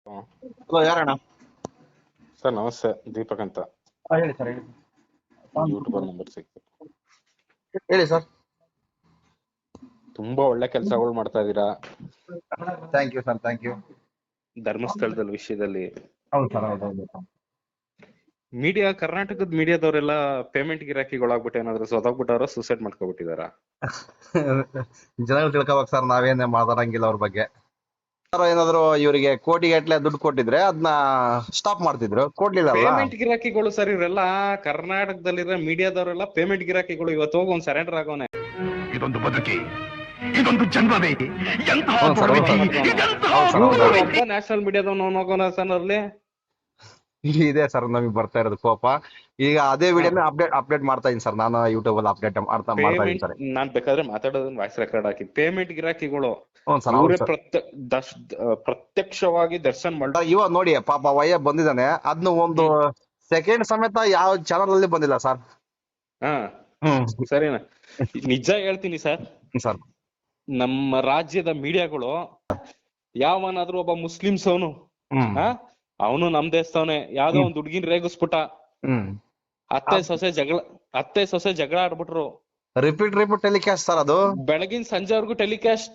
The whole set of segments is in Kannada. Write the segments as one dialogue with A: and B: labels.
A: ಹ್ಮ್.
B: ಹಲೋ, ಯಾರಣ್ಣ?
A: ಸರ್ ನಮಸ್ತೆ, ದೀಪಕ್ ಅಂತ.
B: ಹೇಳಿ ಸರ್, ಹೇಳಿ.
A: ಯೂಟ್ಯೂಬರ್ ನಂಬರ್ ಸಿಕ್ತು.
B: ಹೇಳಿ ಸರ್.
A: ತುಂಬಾ ಒಳ್ಳೆ ಕೆಲಸಗಳು ಮಾಡ್ತಾ ಇದೀರಾ
B: thank you sir, thank you.
A: ಧರ್ಮಸ್ಥಳದ ವಿಷಯದಲ್ಲಿ.
B: ಹೌದು ಸರ್, ಹೌದು ಹೌದು.
A: ಮೀಡಿಯಾ, ಕರ್ನಾಟಕದ ಮೀಡಿಯಾದವರೆಲ್ಲ ಪೇಮೆಂಟ್ ಗಿರಾಕಿಗಳಾಗ್ಬಿಟ್ಟು ಏನಾದ್ರು ಸೊದಗ್ಬಿಟ್ಟವ್ರ, ಸೂಸೈಡ್ ಮಾಡ್ಕೊಬಿಟ್ಟಿದಾರ?
B: ಜನಗಳು ತಿಳ್ಕೊಬೇಕು ಸರ್, ನಾವೇನೇ ಮಾತಾಡಂಗಿಲ್ಲ ಅವ್ರ ಬಗ್ಗೆ. ಸರ್ ಏನಾದ್ರು ಇವರಿಗೆ ಕೋಟಿಗಟ್ಟಲೆ ದುಡ್ಡು ಕೊಟ್ಟಿದ್ರೆ ಅದನ್ನ ಸ್ಟಾಪ್ ಮಾಡ್ತಿದ್ರು, ಕೊಡ್ಲಿಲ್ಲ ಅಲ್ಲ.
A: ಪೇಮೆಂಟ್ ಗಿರಾಕಿಗಳು ಸರ್ ಇವರೆಲ್ಲ. ಕರ್ನಾಟಕದಲ್ಲಿರೋ ಮೀಡಿಯಾದವರೆಲ್ಲ ಪೇಮೆಂಟ್ ಗಿರಾಕಿಗಳು. ಇವತ್ತು ಹೋಗಿ ಒಂದ್ ಸರೆಂಡರ್ ಆಗೋನೆ.
C: ಇದೊಂದು ಬದುಕಿ, ಇದೊಂದು ಜನ್ಮವೇ, ಎಂತಹ
B: ಹೌದು ಸರ್, ಹೌದು
C: ದುರ್ವಿಧಿ,
B: ಸರ್.
C: ಇದೆಂತಹ
B: ಹೌದು ಸರ್, ಹೌದು.
C: ದುರ್ವಿಧಿ.
A: ಒಬ್ಬ ನ್ಯಾಷನಲ್ ಮೀಡಿಯಾದವನು ಹೋಗೋಣ ಸರ್ ಅಲ್ಲಿ.
B: ಇದೆ ಸರ್ ನಮಗೆ ಬರ್ತಾ ಇರೋದು ಕೋಪ. ಈಗ ಅದೇ ವಿಡಿಯೋನ ಅಪ್ಡೇಟ್ ಮಾಡ್ತಾ ಇದೀನಿ ಸರ್, ನಾನು ಯೂಟ್ಯೂಬ್ ಅಲ್ಲಿ ಮಾಡ್ತಾ ಇದೀನಿ
A: ಪೇಮೆಂಟ್,
B: ಸರ್.
A: ನಾನ್ ಬೇಕಾದ್ರೆ ಮಾತಾಡೋದನ್ನ ವಾಯ್ಸ್ ರೆಕಾರ್ಡ್ ಹಾಕಿ. ಪೇಮೆಂಟ್ ಗಿರಾಕಿಗಳು
B: ಹ್ಞೂ ಸರ್, ಹೌದು
A: ಇವರೇ
B: ಸರ್.
A: ಪ್ರತ್ಯಕ್ಷವಾಗಿ ದರ್ಶನ್ ಮಾಡ.
B: ಇವಾಗ ನೋಡಿ, ಪಾಪ ವಯ್ಯ ಬಂದಿದ್ದಾನೆ, ಅದನ್ನ ಒಂದು ಸೆಕೆಂಡ್ ಸಮೇತ ಯಾವ ಚಾನಲ್ ಅಲ್ಲಿ ಬಂದಿಲ್ಲ ಸರ್.
A: ಹಾ
B: ಹ್ಮ್
A: ಸರಿನಾ? ನಿಜ ಹೇಳ್ತೀನಿ ಸರ್,
B: ಸರ್.
A: ನಮ್ಮ ರಾಜ್ಯದ ಮೀಡಿಯಾಗಳು ಯಾವನಾದ್ರೂ ಒಬ್ಬ ಮುಸ್ಲಿಮ್ಸ್ ಅವನು
B: ಹ್ಮ್
A: ಅವನು ನಮ್ ದೇಶದವನೇ, ಯಾವ್ದೋ ಒಂದ್ ಹುಡ್ಗಿನ್ ರೇಗಿಸ್ಬಿಟ್ಟ,
B: ಹ್ಮ್
A: ಅತ್ತೆ ಸೊಸೆ ಜಗಳ ಆಡ್ಬಿಟ್ರು,
B: ರಿಪೀಟ್ ಟೆಲಿಕಾಸ್ಟ್ ಸರ್ ಅದು.
A: ಬೆಳಗಿನ ಸಂಜೆವರೆಗೂ ಟೆಲಿಕಾಸ್ಟ್.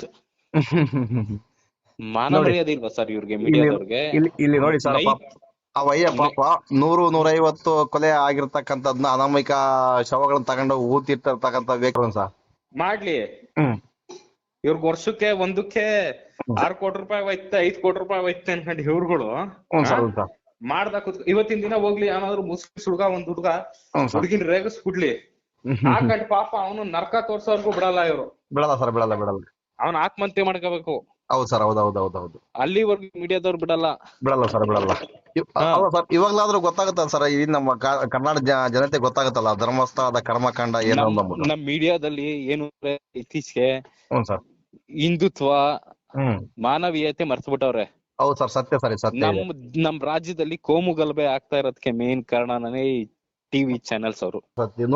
A: ಮಾನ
B: ನೋಡಿ.
A: ಮರ್ಯಾದೆ ಇಲ್ವಾ ಸರ್ ಇವ್ರಿಗೆ, ಮೀಡಿಯಾದವ್ರಿಗೆ?
B: ಇಲ್ಲಿ ನೋಡಿ ಸರ್, ಅವಯ್ಯ ಪಾಪ 100-150 ಕೊಲೆ ಆಗಿರ್ತಕ್ಕಂಥದ್ನ ಅನಾಮಿಕ ಶವಗಳನ್ನ ತಗೊಂಡು ಊತಿರ್ತಕ್ಕಂಥ ವ್ಯಕ್ತಿ ಸರ್.
A: ಮಾಡ್ಲಿ,
B: ಹ್ಮ್
A: ಇವ್ರಿಗೆ ವರ್ಷಕ್ಕೆ ಒಂದಕ್ಕೆ 6 ಕೋಟಿ ರೂಪಾಯಿ ಹೋಯ್ತೆ, 5 ಕೋಟಿ ರೂಪಾಯಿ ಹೋಯ್ತೆ ಅನ್ಕೊಂಡು ಇವ್ರುಗಳು
B: ಸರ್, ಹೌದು ಸರ್.
A: ಮಾಡ್ದ ಇವತ್ತಿನ ದಿನ ಹೋಗ್ಲಿ ಏನಾದ್ರು ಮುಸ್ಲಿಮ್ಸ್ ಒಂದ್ ಹುಡ್ಗ
B: ಸರ್.
A: ಹುಡುಗಿನ ರೇಗಿಸ್ಬಿಡ್ಲಿ, ಹಾಕಂಡ್ ಪಾಪ ಅವನು ನರ್ಕ ತೋರ್ಸೋರ್ಗು ಬಿಡಲ್ಲ ಇವ್ರು.
B: ಬಿಡಲ್ಲ ಸರ್, ಬಿಡಲ್ಲ.
A: ಅವ್ನ ಆತ್ಮಹತ್ಯೆ ಮಾಡ್ಕೋಬೇಕು.
B: ಹೌದು ಸರ್, ಹೌದು.
A: ಅಲ್ಲಿವರೆಗೂ ಮೀಡಿಯಾದವ್ರು ಬಿಡಲ್ಲ.
B: ಸರ್, ಬಿಡಲ್ಲ. ಅಲ್ಲ ಸರ್, ಇವಾಗ್ಲಾದ್ರೂ ಗೊತ್ತಾಗುತ್ತಲ್ಲ ಸರ್, ಈ ನಮ್ಮ ಕರ್ನಾಟಕ ಜನತೆ ಗೊತ್ತಾಗುತ್ತಲ್ಲ ಧರ್ಮಸ್ಥಳದ ಕರ್ಮಕಾಂಡ ಏನು ಅಂದ್ಬಿಟ್ಟು.
A: ನಮ್ ಮೀಡಿಯಾದಲ್ಲಿ ಏನು ಇತ್ತೀಚೆಗೆ
B: ಹ್ಞೂ ಸರ್.
A: ಹಿಂದುತ್ವ,
B: ಹ್ಮ್
A: ಮಾನವೀಯತೆ ಮರ್ತ್ಬಿಟ್ಟವ್ರೆ.
B: ಹೌದು ಸರ್, ಸತ್ಯ ಸರ್, ಸತ್ಯ ಇದೆ.
A: ನಮ್ ರಾಜ್ಯದಲ್ಲಿ ಕೋಮು ಗಲಭೆ ಆಗ್ತಾ ಇರೋದಕ್ಕೆ ಮೇನ್ ಕಾರಣನೇ ಈ ಟಿವಿ ಚಾನೆಲ್ಸ್ ಅವರು.
B: ಸತ್ಯ.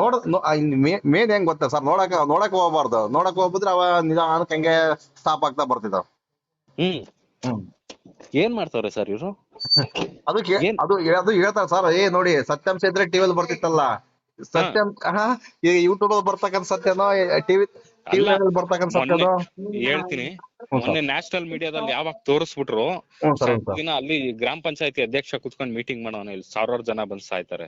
B: ಮೇನ್ ಹೆಂಗ್ ಗೊತ್ತಾ ಸರ್, ನೋಡಕ್ ಹೋಗ್ಬಾರ್ದು. ನೋಡಕ್ ಹೋಗ್ಬಿಟ್ರೆ ಅವ ನಿಧಾನಕ್ಕೆ ಹಂಗೆ ಸ್ಟಾಪ್ ಆಗ್ತಾ ಬರ್ತಿದ್ದಾವ. ಹ್ಮ್
A: ಏನ್ ಮಾಡ್ತಾವ್ರೆ ಸರ್ ಇವ್ರು?
B: ಅದಕ್ಕೆ ಅದು ಹೇಳ್ತಾರೆ ಸರ್, ನೋಡಿ ಸತ್ಯಾಂಶ ಇದ್ರೆ ಟಿವಿಯಲ್ಲಿ ಬರ್ತಿತ್ತಲ್ಲ ಸತ್ಯಾಂಶ. ಈಗ ಯೂಟ್ಯೂಬ್ ಅಲ್ಲಿ ಬರ್ತಕ್ಕಂಥ ಸತ್ಯನೋ, ಟಿವಿ ಬರ್ತಕ್ಕಂಥ ಸತ್ಯನೋ
A: ಹೇಳ್ತೀನಿ. ಮೊನ್ನೆ ನ್ಯಾಷನಲ್ ಮೀಡಿಯಾದಲ್ಲಿ ಯಾವಾಗ ತೋರಿಸ್ಬಿಟ್ರು, ದಿನ ಅಲ್ಲಿ ಗ್ರಾಮ ಪಂಚಾಯತಿ ಅಧ್ಯಕ್ಷ ಕುತ್ಕೊಂಡ್ ಮೀಟಿಂಗ್ ಮಾಡೋನ, ಇಲ್ಲಿ 1000 ಜನ ಬಂದ್ ಸಾಯ್ತಾರೆ.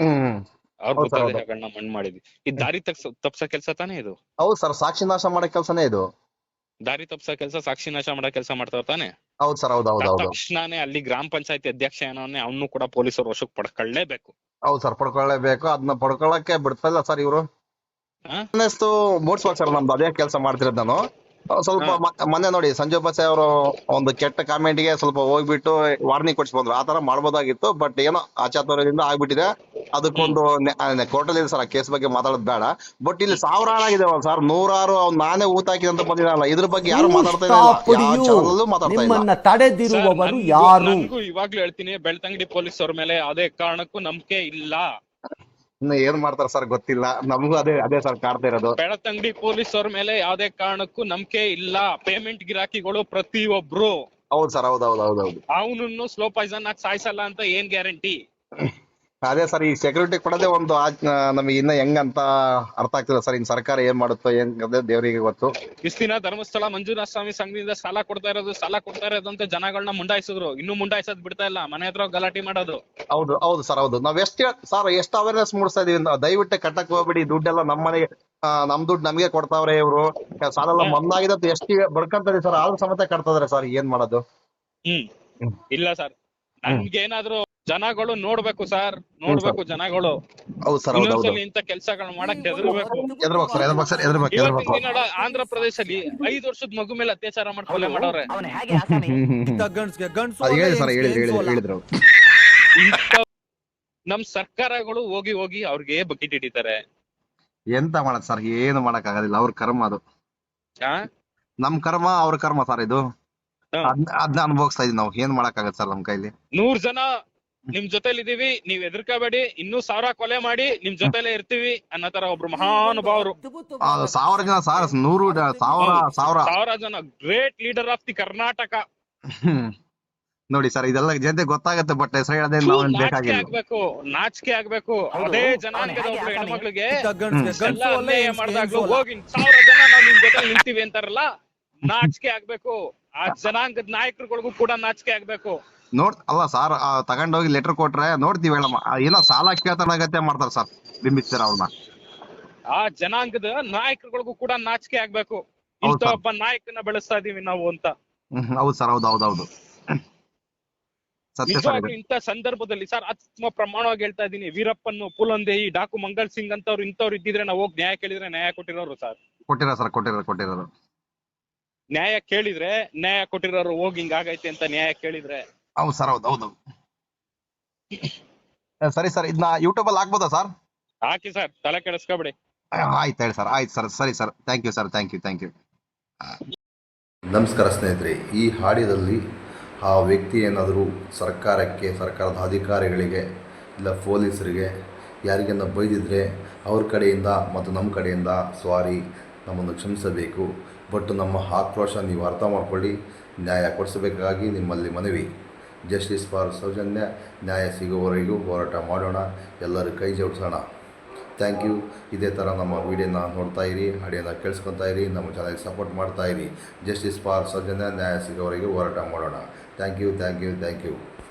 A: ಅವ್ರ ಮೃತದೇಹಗಳನ್ನ ಮಣ್ಣು ಮಾಡಿದ್ವಿ. ಈ ದಾರಿ ತಪ್ಸ ಕೆಲ್ಸ ತಾನೇ ಇದು?
B: ಹೌದು ಸರ್, ಸಾಕ್ಷಿ ನಾಶ ಮಾಡೋ ಕೆಲ್ಸನೇ ಇದು.
A: ದಾರಿ ತಪ್ಸ ಕೆಲ್ಸ, ಸಾಕ್ಷಿ ನಾಶ ಮಾಡೋ ಕೆಲ್ಸ ಮಾಡ್ತಾವ ತಾನೆ?
B: ಹೌದು ಸರ್, ಹೌದು.
A: ತಕ್ಷಣನೇ ಅಲ್ಲಿ ಗ್ರಾಮ ಪಂಚಾಯತಿ ಅಧ್ಯಕ್ಷ ಏನೋನೆ ಅವನು ಕೂಡ ಪೊಲೀಸರು ವಶಕ್ಕೆ ಪಡ್ಕೊಳ್ಳೇಬೇಕು.
B: ಹೌದು ಸರ್, ಪಡ್ಕೊಳ್ಳೇಬೇಕು. ಅದನ್ನ ಪಡ್ಕೊಳ್ಳಕ್ಕೆ ಬಿಡ್ತಾ ಇಲ್ಲ ಸರ್ ಇವರು. ಮೂಡ್ಸ್ಬೇಕು ಸರ್, ನಮ್ದು ಅದೇ ಕೆಲಸ ಮಾಡ್ತಿರೋದು ನಾನು. ಸ್ವಲ್ಪ ಮೊನ್ನೆ ನೋಡಿ ಸಂಜು ಬಸೆ ಅವರು ಒಂದು ಕೆಟ್ಟ ಕಾಮೆಂಟ್ ಗೆ ಸ್ವಲ್ಪ ಹೋಗ್ಬಿಟ್ಟು ವಾರ್ನಿಂಗ್ ಕೊಡ್ಸಿ ಬಂದ್ರು. ಆತರ ಮಾಡ್ಬೋದಾಗಿತ್ತು, ಬಟ್ ಏನೋ ಆಚಾತುರ್ಯದಿಂದ ಆಗ್ಬಿಟ್ಟಿದೆ. ಅದಕ್ಕೊಂದು ಕೋರ್ಟಲ್ಲಿ ಇದೆ ಸರ್, ಆ ಕೇಸ್ ಬಗ್ಗೆ ಮಾತಾಡೋದು ಬೇಡ. ಬಟ್ ಇಲ್ಲಿ 1000 ಆಗಿದೆ ಸರ್, 100 ನಾನೇ ಊತ ಹಾಕಿದಂತ ಬಂದಿರಲ್ಲ. ಇದ್ರ ಬಗ್ಗೆ ಯಾರು ಮಾತಾಡ್ತಾ ಇಲ್ಲ, ಮಾತಾಡ್ತಾ ಇಲ್ಲ.
D: ತಡೆದಿರುವವರು ಯಾರು?
A: ನನಗೂ ಇವಾಗ್ಲೂ ಹೇಳ್ತೀನಿ, ಬೆಳ್ತಂಗಡಿ ಪೊಲೀಸ್ ಅವ್ರ ಮೇಲೆ ಯಾವುದೇ ಕಾರಣಕ್ಕೂ ನಂಬಿಕೆ ಇಲ್ಲ.
B: ಇನ್ನು ಏನ್ ಮಾಡ್ತಾರ ಸರ್ ಗೊತ್ತಿಲ್ಲ, ನಮಗೂ ಅದೇ ಸರ್ ಕಾಡ್ತಾ ಇರೋದು.
A: ಬೆಳ್ತಂಗಡಿ ಪೊಲೀಸ್ ಅವ್ರ ಮೇಲೆ ಯಾವುದೇ ಕಾರಣಕ್ಕೂ ನಂಬಿಕೆ ಇಲ್ಲ. ಪೇಮೆಂಟ್ ಗಿರಾಕಿಗಳು ಪ್ರತಿಯೊಬ್ರು.
B: ಹೌದು ಸರ್, ಹೌದು.
A: ಅವನನ್ನು ಸ್ಲೋ ಪಾಯ್ಸನ್ ಆಗಿ ಸಾಯಿಸಲ್ಲ ಅಂತ ಏನ್ ಗ್ಯಾರಂಟಿ?
B: ಅದೇ ಸರ್, ಈ ಸೆಕ್ಯೂರಿಟಿ ಕೊಡೋದೇ ಒಂದು ನಮಗೆ ಇನ್ನ ಹೆಂಗಂತ ಅರ್ಥ ಆಗ್ತಿಲ್ಲ ಸರ್. ಇನ್ ಸರ್ಕಾರ ಏನ್ ಮಾಡುತ್ತೋ ಹೆಂಗದೆ ದೇವರಿಗೆ ಗೊತ್ತು.
A: ಇಷ್ಟ ದಿನ ಧರ್ಮಸ್ಥಳ ಮಂಜುನಾಥ ಸ್ವಾಮಿ ಸಂಘದಿಂದ ಸಾಲ ಕೊಡ್ತಾ ಇರೋದು ಅಂತ ಜನಗಳನ್ನ ಮುಂಡಾಯಿಸಿದ್ರು. ಇನ್ನೂ ಮುಂಡಾಯಿಸೋದ್ ಬಿಡ್ತಾ ಇಲ್ಲ, ಮನೆ ಹತ್ರ ಗಲಾಟೆ ಮಾಡೋದು.
B: ಹೌದು ಸರ್, ಹೌದು. ನಾವ್ ಎಷ್ಟು ಅವೇರ್ನೆಸ್ ಮೂಡಿಸ್ತಾ ಇದೀವಿ. ದಯವಿಟ್ಟು ಕಟ್ಟಕ್ ಹೋಗ್ಬಿಡಿ, ದುಡ್ಡೆಲ್ಲ ನಮ್ಮ ಮನೆಗೆ, ನಮ್ ದುಡ್ಡು ನಮ್ಗೆ ಕೊಡ್ತಾವ್ರೆ ಇವ್ರು. ಸಾಲ ಎಲ್ಲ ಮಂದಾಗಿದ್ದು ಎಷ್ಟು ಬಡ್ಕಂತದೆ ಸರ್, ಆದ್ರೂ ಸಮೇತ ಕಟ್ತದ್ರೆ ಸರ್, ಏನ್ ಮಾಡೋದು?
A: ಇಲ್ಲ ಸರ್, ನಮ್ಗೇನಾದ್ರೂ ಜನಗಳು ನೋಡ್ಬೇಕು ಸರ್, ನೋಡ್ಬೇಕು ಜನಗಳು.
B: ಹೌದು ಸರ್, ಹೌದು.
A: ಇಂತ ಕೆಲ್ಸಗಳು ಮಾಡಕ್ ಹೆದರ್ಬೇಕು. ಆಂಧ್ರ ಪ್ರದೇಶದಲ್ಲಿ 5 ವರ್ಷದ ಮಗು ಮೇಲೆ ಅತ್ಯಾಚಾರ ಮಾಡ್ಕೊಳ್ಳೆ ಮಾಡವ್ರೆ.
B: ಹೇಳಿದ್ರು
A: ನಮ್ ಸರ್ಕಾರಗಳು ಹೋಗಿ ಅವ್ರಿಗೆ ಬಕೆಟ್ ಹಿಡಿತಾರೆ.
B: ಎಂತ ಮಾಡಕ್ ಸರ್, ಏನು ಮಾಡಕ್ ಆಗೋದಿಲ್ಲ. ಅವ್ರ ಕರ್ಮ ಅದು. ನಮ್ ಕರ್ಮ ಅವ್ರ ಕರ್ಮ ಸರ್ ಇದು. ಅದನ್ನ ಅನುಭವಿಸ್ತಾ ಇದೀವಿ ನಾವು. ಏನ್ ಮಾಡಕ್ ಆಗತ್ತೆ ಸರ್ ನಮ್ ಕೈಲಿ?
A: 100 ಜನ ನಿಮ್ ಜೊತೆಲಿ ಇದೀವಿ, ನೀವ್ ಹೆದರ್ಕೋಬೇಡಿ, ಇನ್ನೂ 1000 ಕೊಲೆ ಮಾಡಿ ನಿಮ್ ಜೊತೆಲೆ ಇರ್ತೀವಿ ಅನ್ನೋ ತರ ಒಬ್ರು ಮಹಾನುಭಾವರು.
B: 1000 ಜನ ಸರ್, 100 1000
A: ಜನ great leader of the Karnataka.
B: ನೋಡಿ ಸರ್, ಇದೆಲ್ಲ ಜನತೆ ಗೊತ್ತಾಗತ್ತೆ, ಬಟ್ ಹೆಸರು ಹೇಳೋದೇ
A: ಥೂ,
B: ನಾವು
A: ನಾಚಿಕೆ
B: ಬೇಕಾಗಿಲ್ಲ.
A: ಆಗ್ಬೇಕು, ನಾಚಿಕೆ ಆಗ್ಬೇಕು. ಅದೇ ಜನಾಂಗದ ಒಬ್ಳು ಹೆಣ್ಮಕ್ಳಿಗೆ ಎಲ್ಲ
D: ಗಂಡಸು
A: ಅನ್ಯಾಯ ಮಾಡ್ದಾಗ್ಲೂ ಹೋಗಿ 1000 ಜನ ನಾವು ನಿಮ್ ಜೊತೆ ನಿಲ್ತೀವಿ ಅಂತಾರಲ್ಲ, ನಾಚಿಕೆ ಆಗ್ಬೇಕು. ಆ ಜನಾಂಗದ ನಾಯಕರುಗಳಿಗೂ ಕೂಡ ನಾಚಿಕೆ ಆಗ್ಬೇಕು.
B: ಅಲ್ಲ ಸರ್, ತಗೊಂಡೋಗಿ ಲೆಟರ್ ಕೊಟ್ರೆ ನೋಡ್ತೀವಿ ಹೇಳಮ್ಮ, ಏನೋ ಸಾಲ ಕೇಳ್ತಾನಾಗತ್ತೆ ಮಾಡ್ತಾರೆ ಸರ್, ಬಿಂಬಿಸ್ತೀರ ಅವ್ರನ್ನ.
A: ಆ ಜನಾಂಗದ ನಾಯಕರುಗಳಿಗೂ ಕೂಡ ನಾಚಿಕೆ ಆಗ್ಬೇಕು.
B: ಹೌದು
A: ಇಂಥ
B: ಸರ್.
A: ಒಬ್ಬ ನಾಯಕನ ಬೆಳೆಸ್ತಾ ಇದೀವಿ ನಾವು ಅಂತ.
B: ಹೌದು ಸರ್, ಹೌದು ಸತ್ಯ ಸರ್
A: ನಿಜವಾಗ್ಲೂ
B: ಇದು.
A: ಇಂಥ ಸಂದರ್ಭದಲ್ಲಿ ಸರ್ ಆತ್ಮ ಪ್ರಮಾಣವಾಗಿ ಹೇಳ್ತಾ ಇದೀನಿ, ವೀರಪ್ಪನ್, ಪುಲಂದೇಯಿ, ಡಾಕು ಮಂಗಲ್ ಸಿಂಗ್ ಅಂತವ್ರು ಇಂಥವ್ರು ಇದ್ದಿದ್ರೆ ನಾವು ಹೋಗಿ ನ್ಯಾಯ ಕೇಳಿದ್ರೆ ನ್ಯಾಯ ಕೊಟ್ಟಿರೋರು ಸರ್.
B: ಕೊಟ್ಟಿರೋರು
A: ನ್ಯಾಯ ಕೇಳಿದ್ರೆ ನ್ಯಾಯ ಕೊಟ್ಟಿರೋರು, ಹೋಗಿ ಹಿಂಗಾಗೈತೆ ಅಂತ ನ್ಯಾಯ ಕೇಳಿದ್ರೆ.
B: ಹೌದು ಸರ್, ಹೌದು ಸರಿ ಸರ್, ಇದನ್ನ ಯೂಟ್ಯೂಬ್ ಅಲ್ಲಿ ಹಾಕ್ಬೋದಾ ಸರ್?
A: ಹಾಕಿ ಸರ್, ತಲೆ ಕೆಡಿಸ್ಕೊಬೇಡಿ.
B: ಆಯ್ತು ಹೇಳಿ ಸರ್, ಆಯ್ತು ಸರ್, ಸರಿ sir, thank you sir, thank you.
E: ನಮಸ್ಕಾರ ಸ್ನೇಹಿತರೆ, ಈ ಹಾಡಿನಲ್ಲಿ ಆ ವ್ಯಕ್ತಿ ಏನಾದರೂ ಸರ್ಕಾರಕ್ಕೆ, ಸರ್ಕಾರದ ಅಧಿಕಾರಿಗಳಿಗೆ ಇಲ್ಲ ಪೊಲೀಸರಿಗೆ ಯಾರಿಗನ್ನ ಬೈದಿದ್ರೆ ಅವ್ರ ಕಡೆಯಿಂದ ಮತ್ತು ನಮ್ಮ ಕಡೆಯಿಂದ ಸಾರಿ, ನಮ್ಮನ್ನು ಕ್ಷಮಿಸಬೇಕು. ಬಟ್ ನಮ್ಮ ಆಕ್ರೋಶ ನೀವು ಅರ್ಥ ಮಾಡ್ಕೊಳ್ಳಿ, ನ್ಯಾಯ ಕೊಡಿಸಬೇಕಾಗಿ ನಿಮ್ಮಲ್ಲಿ ಮನವಿ. ಜಸ್ಟಿಸ್ ಫಾರ್ ಸೌಜನ್ಯ, ನ್ಯಾಯ ಸಿಗುವವರೆಗೂ ಹೋರಾಟ ಮಾಡೋಣ, ಎಲ್ಲರೂ ಕೈ ಜೋಡಿಸೋಣ. Thank you. ಇದೇ ಥರ ನಮ್ಮ ವಿಡಿಯೋನ ನೋಡ್ತಾ ಇರಿ, ಆಡಿಯೋನ ಕೇಳಿಸ್ಕೊತಾ ಇರಿ, ನಮ್ಮ ಚಾನಲ್ಗೆ ಸಪೋರ್ಟ್ ಮಾಡ್ತಾ ಇರಿ. ಜಸ್ಟಿಸ್ ಫಾರ್ ಸೌಜನ್ಯ, ನ್ಯಾಯ ಸಿಗೋವರೆಗೂ ಹೋರಾಟ ಮಾಡೋಣ. Thank you.